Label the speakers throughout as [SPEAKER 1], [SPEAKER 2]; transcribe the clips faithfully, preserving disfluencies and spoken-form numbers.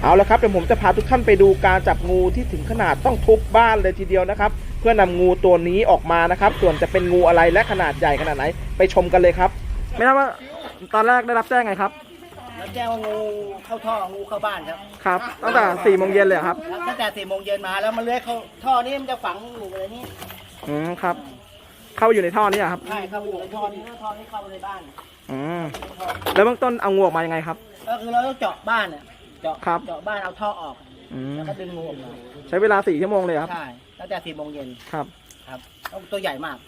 [SPEAKER 1] เอาละครับเดี๋ยวผมจะพาทุกท่านไปดูการจับงูที่ถึงขนาดต้องทุบบ้านเลยทีเดียวนะครับเพื่อนำงูตัวนี้ออกมานะครับส่วนจะเป็นงูอะไรและขนาดใหญ่ขนาดไหนไปชมกันเลยครับไม่ทราบว่าตอนแรกได้รับแจ้งไงครับ
[SPEAKER 2] รับแจ้งว่างูเข้าท่องูเข้าบ้านครับ
[SPEAKER 1] ครับตั้งแต่สี่โมงเย็นเลยครับ
[SPEAKER 2] ตั้งแต่สี่โมงเย็นมาแล้วมันเลื้อยเข้าท่อนี้มันจะฝังอยู่อะไรนี่
[SPEAKER 1] อืมครับเข้าอยู่ในท่อนี้ครับ
[SPEAKER 2] ใช่เข้าอยู่ในท่อนี้ท่อนี้เข้าในบ้าน
[SPEAKER 1] อืมแล้วเบื้องต้นเอางูออกมายังไงครับ
[SPEAKER 2] ก็คือเราต้องเจาะบ้านเนี่ยเจาะ
[SPEAKER 1] ครับ
[SPEAKER 2] เจาะบ้านเอาท่อออกแล้วก็ดึงงูออกมา
[SPEAKER 1] ใช้เวลาสี่ชั่วโมงเลยครับ
[SPEAKER 2] ใช่ตั้งแต่สี่โมงเย็น
[SPEAKER 1] ครับ
[SPEAKER 2] ครับตัวใหญ่มาก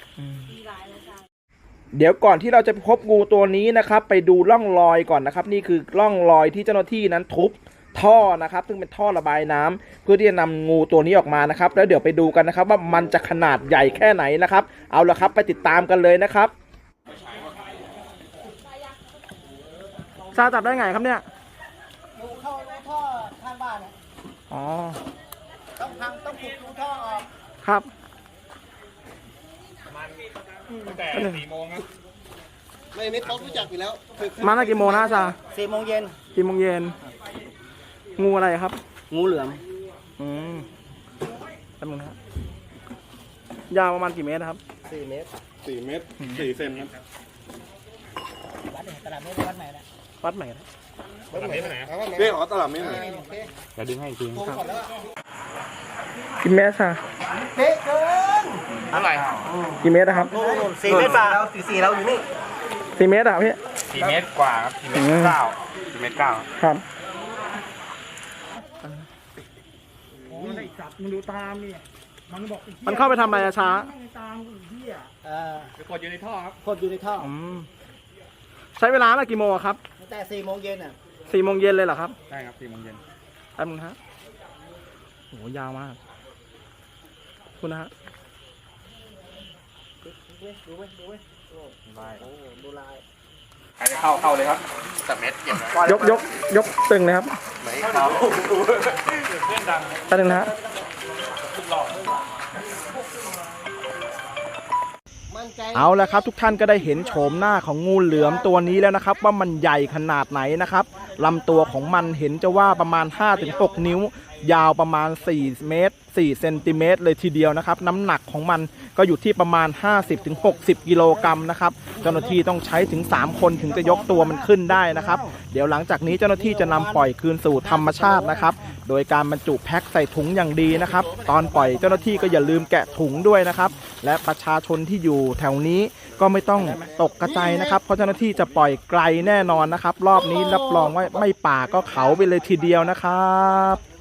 [SPEAKER 1] เดี๋ยวก่อนที่เราจะพบงูตัวนี้นะครับไปดูร่องรอยก่อนนะครับนี่คือร่องรอยที่เจ้าหน้าที่นั้นทุบท่อนะครับซึ่งเป็นท่อระบายน้ำเพื่อที่จะนำงูตัวนี้ออกมานะครับแล้วเดี๋ยวไปดูกันนะครับว่ามันจะขนาดใหญ่แค่ไหนนะครับเอาละครับไปติดตามกันเลยนะครับซาจับได้ไงครับเนี่ย
[SPEAKER 2] งูเข้าท่อข้างบ้านเนี่ย
[SPEAKER 1] อ๋อ
[SPEAKER 2] ต้องทำต้องขุดรูท่อออก
[SPEAKER 1] ครับ
[SPEAKER 3] ตั้งแต่สี่โมงนะ
[SPEAKER 2] ไม่ไม่ต้องรู้จักอยู่แล้ว
[SPEAKER 1] มาตั้งกี่โมงนะซา
[SPEAKER 2] สี่โมงเย็น
[SPEAKER 1] สี่โมงเย็นงูอะไรครับ
[SPEAKER 2] งูเหลือม
[SPEAKER 1] อืมจำนวนครับยาวประมาณกี่เมตรครับ
[SPEAKER 2] สี่เมตร
[SPEAKER 3] สี่เมตรสี่เซนครับ
[SPEAKER 2] วัดไหนตลาดเมตรวัดไหนนะ
[SPEAKER 1] วัดไหนนะ
[SPEAKER 3] ตลาดเมตรไหนเรียกอ๋อตลาดเมตรไหนจะดึงให้จริง
[SPEAKER 1] ครับกี่เมตรค่ะ
[SPEAKER 2] เป๊ะเกิน
[SPEAKER 3] เท่าไหร่
[SPEAKER 1] กี่เมตรนะครับ
[SPEAKER 2] สี่เมตรป่ะเราสี่สี่เราอยู่นี่
[SPEAKER 1] สี่เมตรครับพี่
[SPEAKER 3] สี่เมตรกว่าครับสี่เมตรเก้าสี่เมตรเก้า
[SPEAKER 1] ครับ
[SPEAKER 2] มันไอ้สัตว์มันดูตามนี่มันบอก
[SPEAKER 1] มันเข้าไปทำอะไรช้า
[SPEAKER 2] ตามไอ้เหี้ยเออ
[SPEAKER 3] ไปกดอยู่ในท่อครับ
[SPEAKER 2] กดอยู่ในท่อ
[SPEAKER 1] ใช้เวลาตั้งกี่โมงครับ
[SPEAKER 2] ตั้งแต่สี่โมงเย็นอ่ะ
[SPEAKER 1] สี่โมงเย็นเลยเหรอครับ
[SPEAKER 3] ใช่ครับสี่โมงเย็น
[SPEAKER 1] แป๊บนึงฮะโหยาวมากคุณนะฮะ
[SPEAKER 2] ดูไหมดูไหม
[SPEAKER 3] ลาย
[SPEAKER 2] โอ้ดูลาย
[SPEAKER 3] ใครจะเข้าเข้าเลยครับแต่เม็ดเก็บ
[SPEAKER 1] ยกยกยกตึงเลยครับ
[SPEAKER 3] ไม่เข้าเพื่อนดัง
[SPEAKER 1] แป๊บนึงนะฮะเอาละครับทุกท่านก็ได้เห็นโฉมหน้าของงูเหลือมตัวนี้แล้วนะครับว่ามันใหญ่ขนาดไหนนะครับลำตัวของมันเห็นจะว่าประมาณ ห้าถึงหก นิ้วยาวประมาณสี่เมตรสี่เซนติเมตรเลยทีเดียวนะครับน้ำหนักของมันก็อยู่ที่ประมาณ ห้าสิบถึงหกสิบ กิโลกรัมนะครับเจ้าหน้าที่ต้องใช้ถึงสามคนถึงจะยกตัวมันขึ้นได้นะครับเดี๋ยวหลังจากนี้เจ้าหน้าที่จะนำปล่อยคืนสู่ธรรมชาตินะครับโดยการบรรจุแพ็คใส่ถุงอย่างดีนะครับตอนปล่อยเจ้าหน้าที่ก็อย่าลืมแกะถุงด้วยนะครับและประชาชนที่อยู่แถวนี้ก็ไม่ต้องตกกระจายนะครับเพราะเจ้าหน้าที่จะปล่อยไกลแน่นอนนะครับรอบนี้รับรองว่าไม่ป่าก็เขาไปเลยทีเดียวนะครับ